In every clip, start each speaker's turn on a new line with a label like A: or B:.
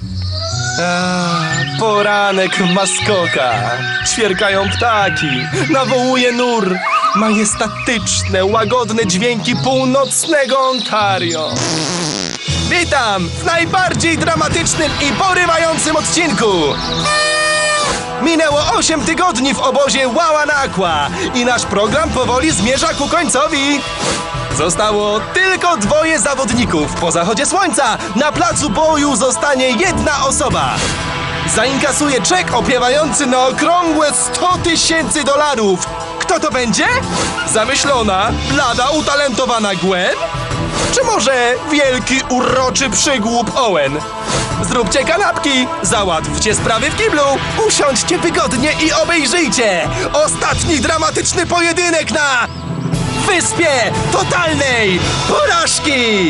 A: Poranek w maskokach. Ćwierkają ptaki. Nawołuje nur. Majestatyczne, łagodne dźwięki północnego Ontario. Witam w najbardziej dramatycznym i porywającym odcinku. Minęło 8 tygodni w obozie Wawanakwa i nasz program powoli zmierza ku końcowi. Zostało tylko 2 zawodników. Po zachodzie słońca na placu boju zostanie 1 osoba. Zainkasuje czek opiewający na okrągłe $100,000. Kto to będzie? Zamyślona, blada, utalentowana Gwen? Czy może wielki, uroczy przygłup Owen? Zróbcie kanapki, załatwcie sprawy w kiblu, usiądźcie wygodnie i obejrzyjcie ostatni dramatyczny pojedynek na Wyspie Totalnej Porażki!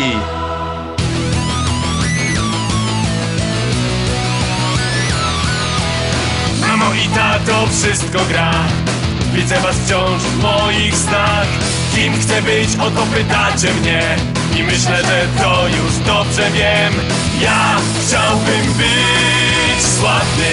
B: Mamo i tato, wszystko gra. Widzę was wciąż w moich snach. Kim chcę być, o to pytacie mnie. I myślę, że to już dobrze wiem. Ja chciałbym być sławny.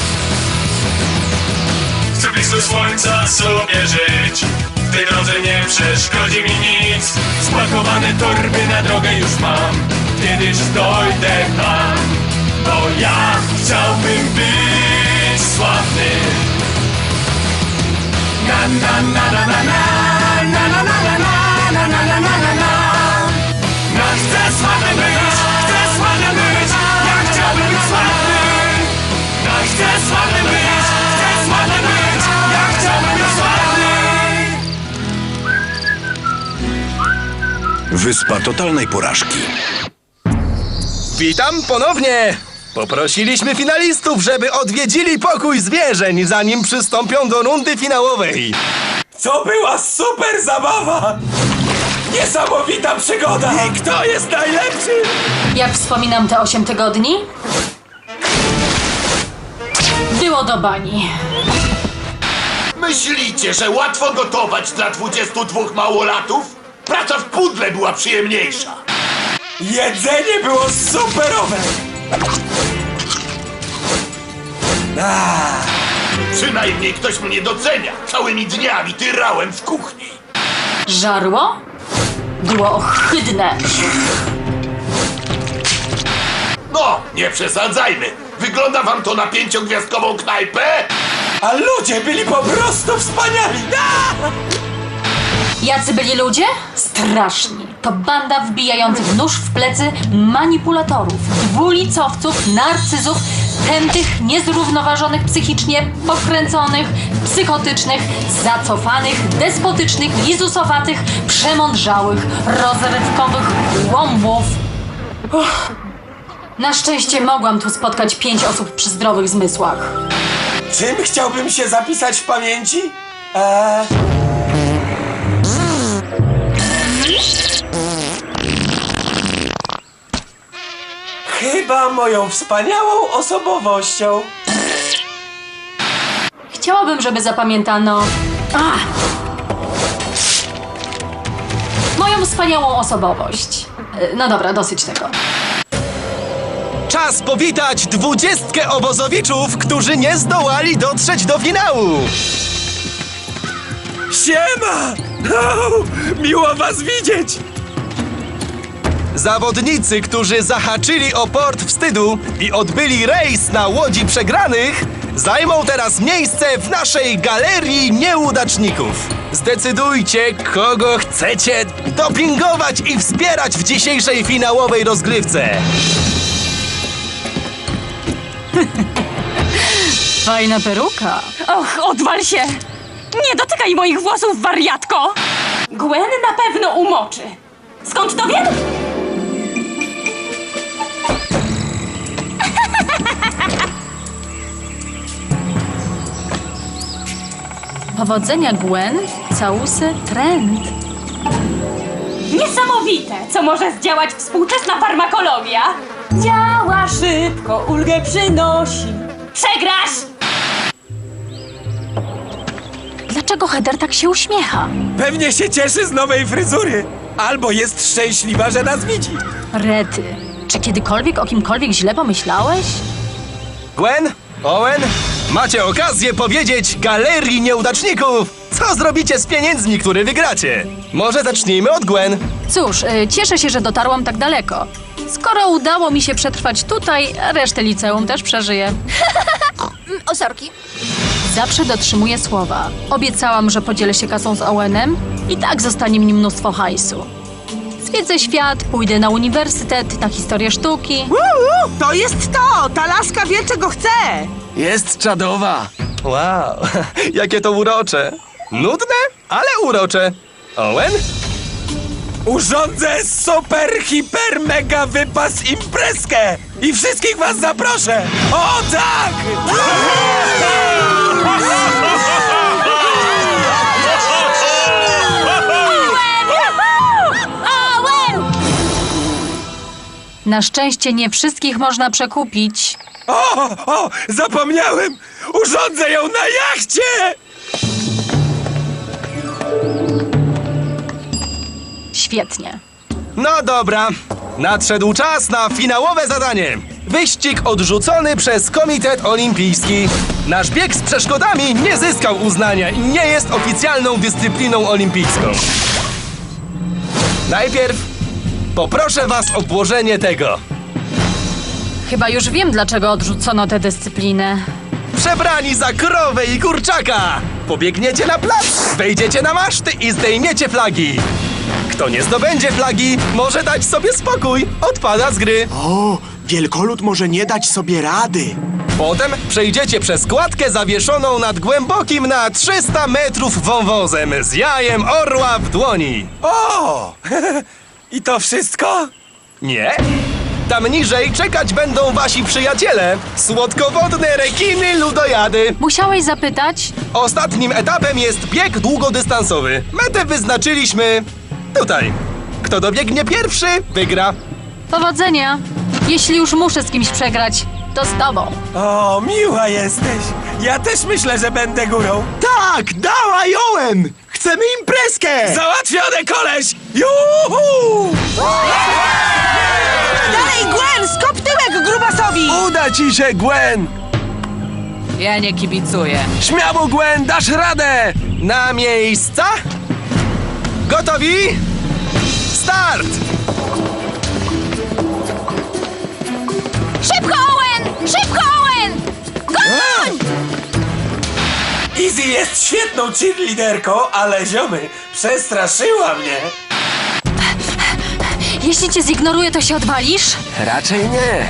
B: Chcę blisko słońca sobie żyć. W tej drodze nie przeszkodzi mi nic. Spakowane torby na drogę już mam. Kiedyś dojdę tam. Bo ja chciałbym być sławny. Na na na na na na na na na na na na na na na na. No chcę sławny być, chcę sławny być. Ja chciałbym być sławny. No chcę sławny być, chcę sławny być. Ja chciałbym być sławny.
C: Wyspa Totalnej Porażki.
A: Witam ponownie! Poprosiliśmy finalistów, żeby odwiedzili pokój zwierzeń, zanim przystąpią do rundy finałowej.
B: To była super zabawa! Niesamowita przygoda! I kto jest najlepszy?
D: Jak wspominam te 8 tygodni? Było do bani.
E: Myślicie, że łatwo gotować dla 22 małolatów? Praca w pudle była przyjemniejsza.
B: Jedzenie było superowe!
E: Przynajmniej ktoś mnie docenia. Całymi dniami tyrałem w kuchni.
D: Żarło? Było ohydne.
E: No, nie przesadzajmy. Wygląda wam to na 5-gwiazdkową knajpę?
B: A ludzie byli po prostu wspaniali!
D: Jacy byli ludzie? Straszni. To banda wbijających nóż w plecy manipulatorów, dwulicowców, narcyzów, tętych, niezrównoważonych psychicznie, pokręconych, psychotycznych, zacofanych, despotycznych, lizusowatych, przemądrzałych, rozrywkowych łąbów. Na szczęście mogłam tu spotkać 5 osób przy zdrowych zmysłach.
B: Czym chciałbym się zapisać w pamięci? Chyba moją wspaniałą osobowością.
D: Chciałabym, żeby zapamiętano... moją wspaniałą osobowość. No dobra, dosyć tego.
A: Czas powitać 20 obozowiczów, którzy nie zdołali dotrzeć do finału.
B: Siema! Miło was widzieć!
A: Zawodnicy, którzy zahaczyli o port wstydu i odbyli rejs na łodzi przegranych, zajmą teraz miejsce w naszej galerii nieudaczników. Zdecydujcie, kogo chcecie dopingować i wspierać w dzisiejszej finałowej rozgrywce.
D: Fajna peruka.
F: Och, odwal się! Nie dotykaj moich włosów, wariatko! Gwen na pewno umoczy. Skąd to wiem?
D: Powodzenia, Gwen. Całusy trend.
F: Niesamowite, co może zdziałać współczesna farmakologia. Działa szybko, ulgę przynosi. Przegrasz!
D: Dlaczego Heather tak się uśmiecha?
B: Pewnie się cieszy z nowej fryzury. Albo jest szczęśliwa, że nas widzi.
D: Rety. Czy kiedykolwiek o kimkolwiek źle pomyślałeś?
A: Gwen, Owen, macie okazję powiedzieć galerii nieudaczników, co zrobicie z pieniędzmi, które wygracie. Może zacznijmy od Gwen.
D: Cóż, cieszę się, że dotarłam tak daleko. Skoro udało mi się przetrwać tutaj, resztę liceum też przeżyję.
G: O, sorki.
D: Zawsze dotrzymuję słowa. Obiecałam, że podzielę się kasą z Owenem i tak zostanie mi mnóstwo hajsu. Zwiedzę świat, pójdę na uniwersytet, na historię sztuki.
H: To jest to! Ta laska wie, czego chce!
B: Jest czadowa.
A: Wow, jakie to urocze. Nudne, ale urocze. Owen?
B: Urządzę super, hiper, mega wypas imprezkę i wszystkich was zaproszę. O tak!
D: Na szczęście nie wszystkich można przekupić.
B: O, zapomniałem! Urządzę ją na jachcie!
D: Świetnie.
A: No dobra, nadszedł czas na finałowe zadanie. Wyścig odrzucony przez Komitet Olimpijski. Nasz bieg z przeszkodami nie zyskał uznania i nie jest oficjalną dyscypliną olimpijską. Najpierw poproszę was o włożenie tego.
D: Chyba już wiem, dlaczego odrzucono tę dyscyplinę.
A: Przebrani za krowę i kurczaka! Pobiegniecie na plac, wejdziecie na maszty i zdejmiecie flagi. Kto nie zdobędzie flagi, może dać sobie spokój. Odpada z gry.
I: O, wielkolud może nie dać sobie rady.
A: Potem przejdziecie przez kładkę zawieszoną nad głębokim na 300 metrów wąwozem z jajem orła w dłoni.
B: O! I to wszystko?
A: Nie? Tam niżej czekać będą wasi przyjaciele. Słodkowodne rekiny ludojady.
D: Musiałeś zapytać?
A: Ostatnim etapem jest bieg długodystansowy. Metę wyznaczyliśmy tutaj. Kto dobiegnie pierwszy, wygra.
D: Powodzenia. Jeśli już muszę z kimś przegrać, to z tobą.
B: O, miła jesteś. Ja też myślę, że będę górą.
I: Tak, dawaj, Owen! Chcemy imprezkę!
B: Załatwione, koleś! Juhu!
H: Dalej, Gwen! Skop tyłek grubasowi!
B: Uda ci się, Gwen!
H: Ja nie kibicuję.
B: Śmiało, Gwen, dasz radę!
A: Na miejsca? Gotowi? Start!
G: Szybko, Owen! Szybko, Owen! Goń!
B: Izzy jest świetną cheerleaderką, ale ziomy, przestraszyła mnie.
D: Jeśli cię zignoruję, to się odwalisz?
B: Raczej nie.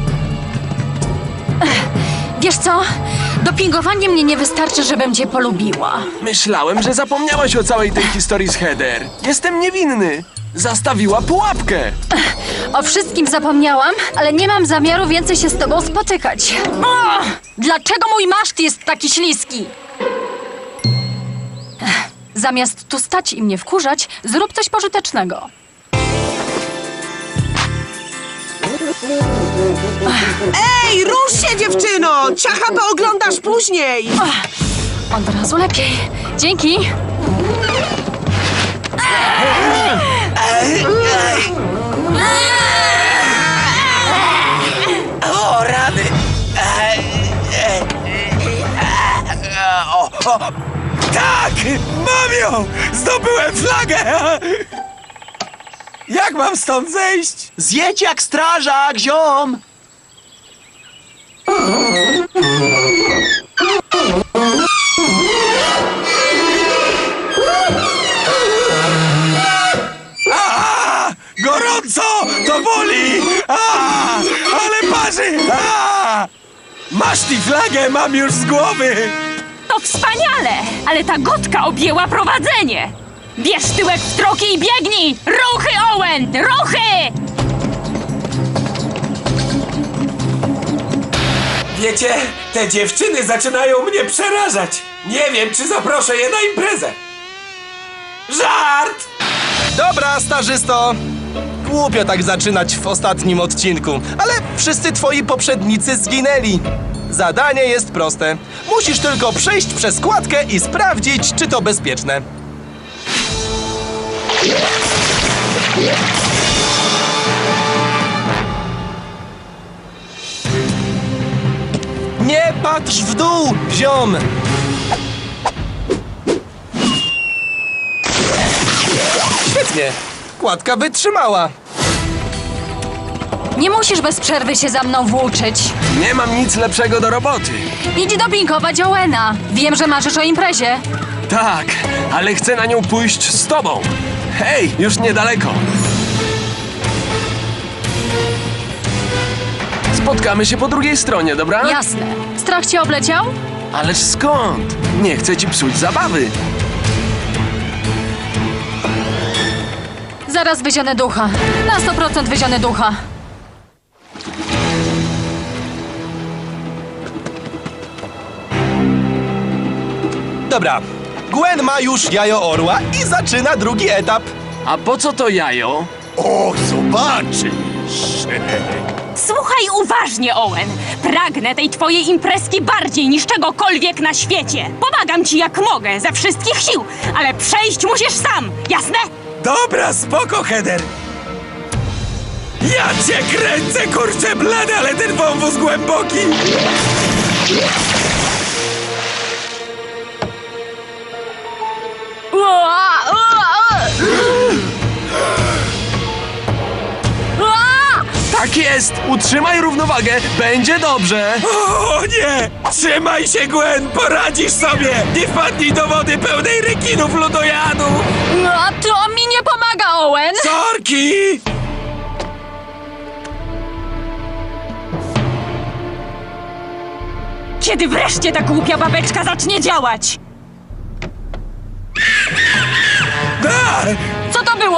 D: Wiesz co? Dopingowanie mnie nie wystarczy, żebym cię polubiła.
B: Myślałem, że zapomniałaś o całej tej historii z Heather. Jestem niewinny. Zastawiła pułapkę.
D: O wszystkim zapomniałam, ale nie mam zamiaru więcej się z tobą spotykać. O! Dlaczego mój maszt jest taki śliski? Zamiast tu stać i mnie wkurzać, zrób coś pożytecznego.
H: Ej, rusz się, dziewczyno! Ciacha pooglądasz później!
D: Od razu lepiej. Dzięki.
B: O, rady. Tak! Mam ją! Zdobyłem flagę! Jak mam stąd zejść?
I: Zjedź jak strażak, ziom!
B: Gorąco! To boli! Ale parzy! Masz tę flagę, mam już z głowy!
F: To wspaniale! Ale ta gotka objęła prowadzenie! Bierz tyłek w troki i biegnij! Ruchy, Owen! Ruchy!
B: Wiecie, te dziewczyny zaczynają mnie przerażać. Nie wiem, czy zaproszę je na imprezę. Żart!
A: Dobra, starzysto. Głupio tak zaczynać w ostatnim odcinku, ale wszyscy twoi poprzednicy zginęli. Zadanie jest proste. Musisz tylko przejść przez kładkę i sprawdzić, czy to bezpieczne. Nie patrz w dół, ziom! Świetnie. Kładka wytrzymała.
D: Nie musisz bez przerwy się za mną włóczyć.
I: Nie mam nic lepszego do roboty.
D: Idź dopingować Owena. Wiem, że marzysz o imprezie.
I: Tak, ale chcę na nią pójść z tobą. Hej, już niedaleko. Spotkamy się po drugiej stronie, dobra?
D: Jasne. Strach cię obleciał?
I: Ależ skąd? Nie chcę ci psuć zabawy.
D: Zaraz wyzionę ducha. Na 100% wyzionę ducha.
A: Dobra. Gwen ma już jajo orła i zaczyna drugi etap.
I: A po co to jajo?
E: O, zobaczysz!
F: Słuchaj uważnie, Owen. Pragnę tej twojej imprezki bardziej niż czegokolwiek na świecie. Pomagam ci jak mogę, ze wszystkich sił, ale przejść musisz sam, jasne?
B: Dobra, spoko, Heather. Ja cię kręcę, kurczę blady, ale ten wąwóz głęboki.
I: Tak jest! Utrzymaj równowagę, będzie dobrze!
B: O nie! Trzymaj się, Gwen, poradzisz sobie! Nie wpadnij do wody pełnej rekinów lodojadu!
D: No, to mi nie pomaga, Owen!
B: Sorki!
F: Kiedy wreszcie ta głupia babeczka zacznie działać?
D: Co to było?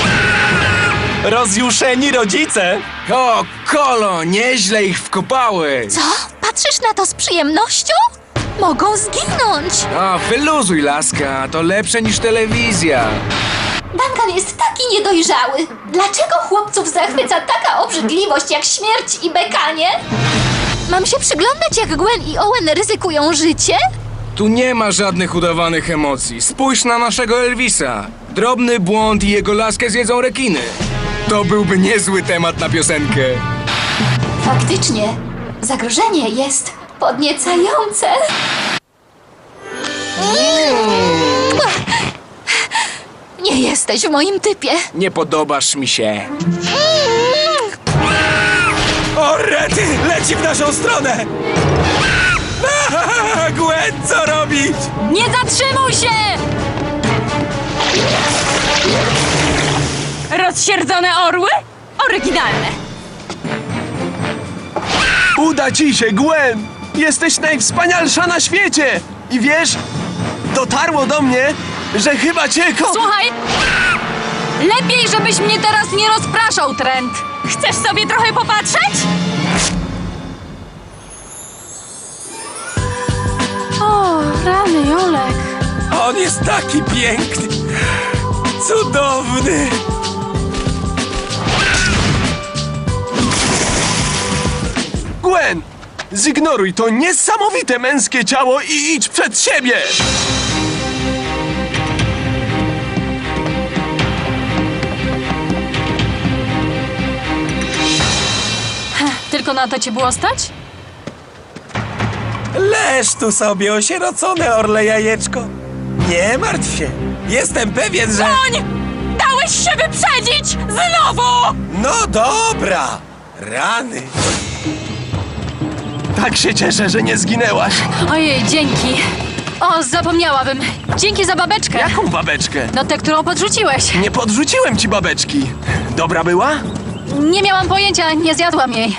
A: Rozjuszeni rodzice.
I: O, Kolo, nieźle ich wkopałeś!
G: Co? Patrzysz na to z przyjemnością? Mogą zginąć.
I: A, wyluzuj, laska, to lepsze niż telewizja.
G: Duncan jest taki niedojrzały. Dlaczego chłopców zachwyca taka obrzydliwość jak śmierć i bekanie? Mam się przyglądać, jak Gwen i Owen ryzykują życie?
J: Tu nie ma żadnych udawanych emocji. Spójrz na naszego Elvisa. Drobny błąd i jego laskę zjedzą rekiny. To byłby niezły temat na piosenkę.
G: Faktycznie, zagrożenie jest podniecające. Nie jesteś w moim typie.
J: Nie podobasz mi się.
B: O, rety! Leci w naszą stronę! Gwen, co robić?
D: Nie zatrzymuj się!
F: Rozsierdzone orły? Oryginalne.
I: Uda ci się, Gwen! Jesteś najwspanialsza na świecie! I wiesz, dotarło do mnie, że chyba cię
D: Słuchaj! Lepiej, żebyś mnie teraz nie rozpraszał, Trent!
F: Chcesz sobie trochę popatrzeć?
D: O, rany, Jolek.
B: On jest taki piękny! Cudowny!
I: Gwen! Zignoruj to niesamowite męskie ciało i idź przed siebie!
D: Tylko na to cię było stać?
B: Leż tu sobie, osierocone orle jajeczko. Nie martw się. Jestem pewien, że...
F: Koń! Dałeś się wyprzedzić! Znowu!
B: No dobra. Rany.
I: Tak się cieszę, że nie zginęłaś.
D: Ojej, dzięki. O, zapomniałabym. Dzięki za babeczkę.
I: Jaką babeczkę?
D: No tę, którą podrzuciłeś.
I: Nie podrzuciłem ci babeczki. Dobra była?
D: Nie miałam pojęcia, nie zjadłam jej.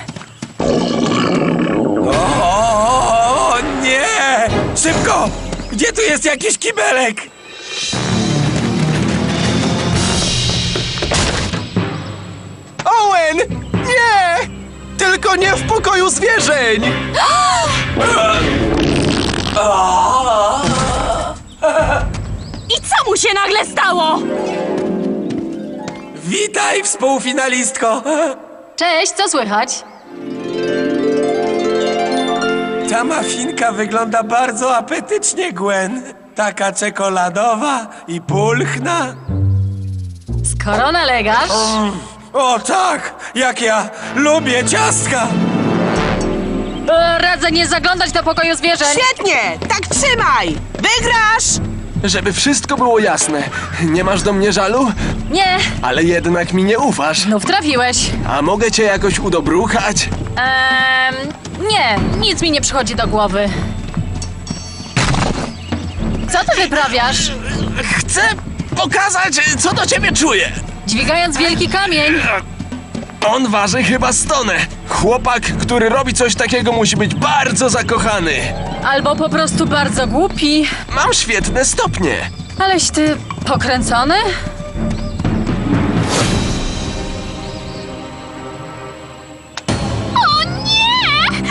B: O nie! Szybko! Gdzie tu jest jakiś kibelek?
A: Owen! Nie! Tylko nie w pokoju zwierzeń!
F: I co mu się nagle stało?
B: Witaj, współfinalistko!
D: Cześć, co słychać?
B: Ta mafinka wygląda bardzo apetycznie, Gwen. Taka czekoladowa i pulchna.
D: Skoro nalegasz...
B: O tak, jak ja lubię ciastka!
D: radzę nie zaglądać do pokoju zwierzeń.
H: Świetnie! Tak trzymaj! Wygrasz!
I: Żeby wszystko było jasne, nie masz do mnie żalu?
D: Nie,
I: Ale jednak mi nie ufasz.
D: znów trafiłeś.
I: A mogę cię jakoś udobruchać?
D: Nie, nic mi nie przychodzi do głowy. Co ty wyprawiasz?
I: Chcę pokazać, co do ciebie czuję.
D: Dźwigając wielki kamień.
I: On waży chyba 100 tonę. Chłopak, który robi coś takiego, musi być bardzo zakochany.
D: Albo po prostu bardzo głupi.
I: Mam świetne stopnie.
D: Aleś ty pokręcony?
G: O nie!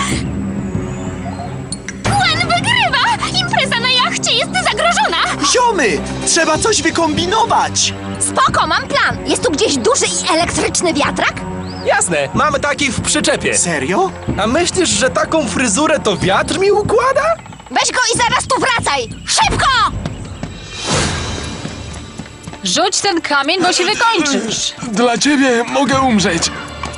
G: Gwen wygrywa! Impreza na jachcie jest zagrożona!
K: Ziomy! Trzeba coś wykombinować!
G: Spoko, mam plan! Jest tu gdzieś duży i elektryczny wiatrak?
A: Jasne, mamy taki w przyczepie.
K: Serio?
A: A myślisz, że taką fryzurę to wiatr mi układa?
G: Weź go i zaraz tu wracaj! Szybko!
D: Rzuć ten kamień, bo się wykończysz.
I: Dla ciebie mogę umrzeć.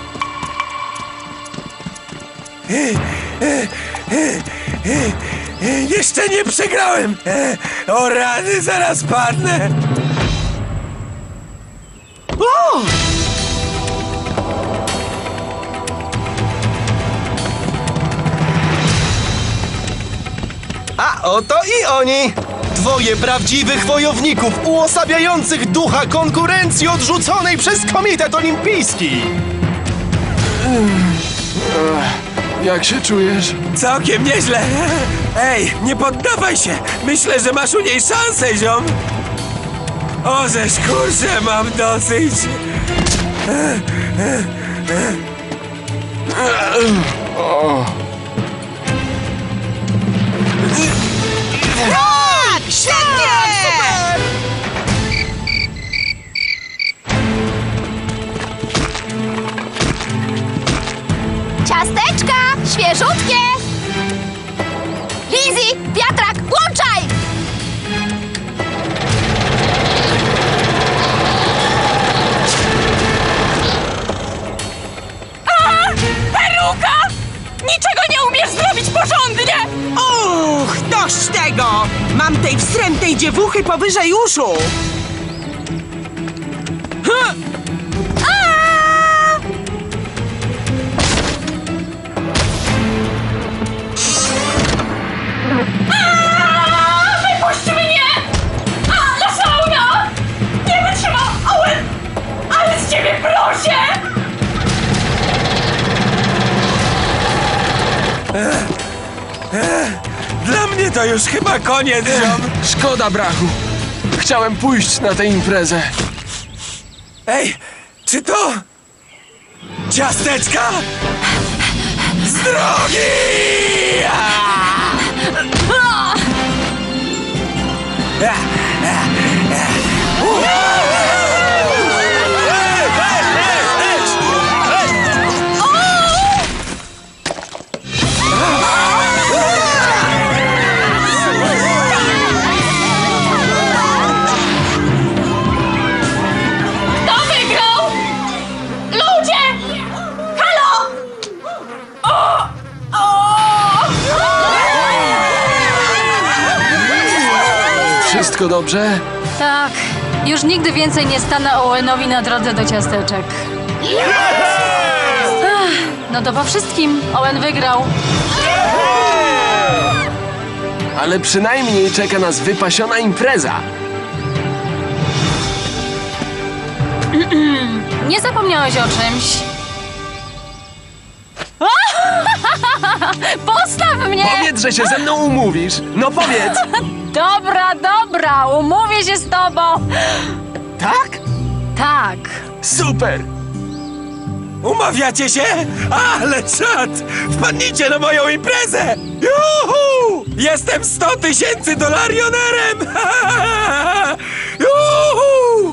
B: Jeszcze nie przegrałem! O rany, zaraz padnę!
A: A oto i oni! Dwoje prawdziwych wojowników uosabiających ducha konkurencji odrzuconej przez Komitet Olimpijski!
I: Jak się czujesz?
B: Całkiem nieźle! Ej, nie poddawaj się! Myślę, że masz u niej szansę, ziom! O, żeż kurczę, mam dosyć!
H: Tak! Świetnie!
G: Ciasteczka! Świeżutkie! Lizzy! Wiatrak! Włączaj!
F: Peruka! Niczego nie umiesz zrobić porządnie!
H: Uch, dość tego! Mam tej wstrętnej dziewuchy powyżej uszu!
F: Wypuść mnie! Ale fauna! Nie wytrzymam, Owen! Ale z ciebie proszę!
B: Dla mnie to już chyba koniec, ziom!
I: Szkoda brachu. Chciałem pójść na tę imprezę.
B: Ej, czy to... ciasteczka? Z drogi!
F: Kto wygrał? Ludzie! Halo!
I: Wszystko dobrze?
D: Tak, już nigdy więcej nie stanę Owenowi na drodze do ciasteczek. Ach, no to po wszystkim. Owen wygrał.
I: Ale przynajmniej czeka nas wypasiona impreza.
D: Nie zapomniałeś o czymś. Postaw mnie!
I: Powiedz, że się ze mną umówisz. No powiedz.
D: Dobra, umówię się z tobą.
I: Tak?
D: Tak.
I: Super.
B: Umawiacie się? Ale czad! Wpadnijcie na moją imprezę! Juhu! Jestem $100,000 Juhu!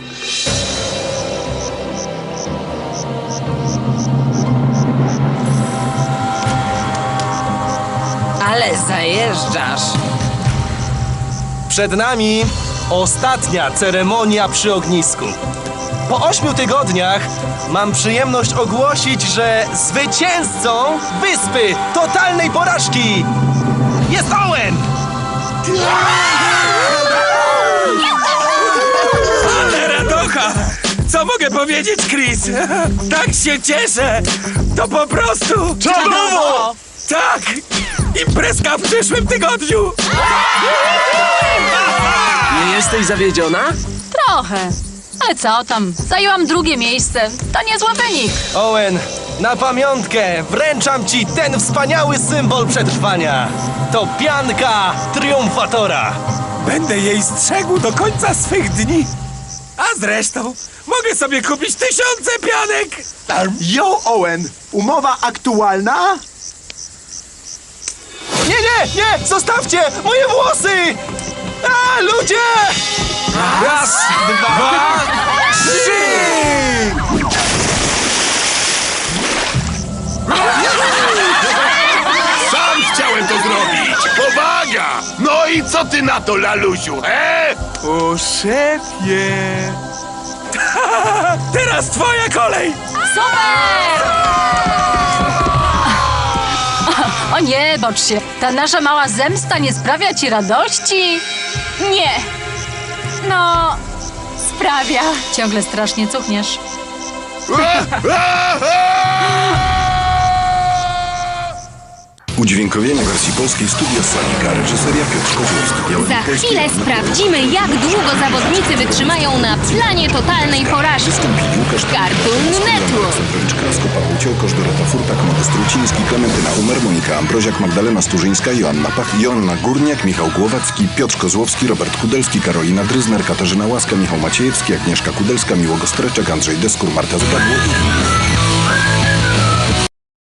H: Ale zajeżdżasz!
A: Przed nami ostatnia ceremonia przy ognisku. Po 8 tygodniach mam przyjemność ogłosić, że zwycięzcą wyspy totalnej porażki jest Owen!
B: Ale radocha! Co mogę powiedzieć, Chris? Tak się cieszę! To po prostu...
A: Czadowo!
B: Tak! Imprezka w przyszłym tygodniu!
I: Nie jesteś zawiedziona?
D: Trochę. Ale co tam? Zajęłam drugie miejsce. To niezły wynik.
A: Owen, na pamiątkę wręczam ci ten wspaniały symbol przetrwania. To pianka triumfatora.
B: Będę jej strzegł do końca swych dni. A zresztą, mogę sobie kupić 1000 pianek!
K: Yo, Owen! Umowa aktualna?
A: Nie! Zostawcie moje włosy! A, ludzie!
B: Raz, dwa, trzy!
E: Sam chciałem to zrobić! Powaga! No i co ty na to, lalusiu, he?
B: O szefie! Teraz twoja kolej!
D: Super! O nie, bocz się. Ta nasza mała zemsta nie sprawia ci radości?
F: Nie. No, sprawia.
D: Ciągle strasznie cuchniesz.
C: Udźwiękowienie wersji polskiej Studia Sonika, reżyseria Piotr Kozłowski.
L: Za chwilę sprawdzimy, jak długo zawodnicy wytrzymają na planie totalnej porażki. Cartoon Network.
C: Krasko, Paweł Ciołkosz, Dorota Furtak, Modest Ruciński, Klementyna Umer, Monika Ambroziak, Magdalena Sturzyńska, Joanna Pach, Joanna Górniak, Michał Głowacki, Piotr Kozłowski, Robert Kudelski, Karolina Dryzner, Katarzyna Łaska, Michał Maciejewski, Agnieszka Kudelska, Miłogo Streczek, Andrzej Deskur, Marta Zgadło i inni.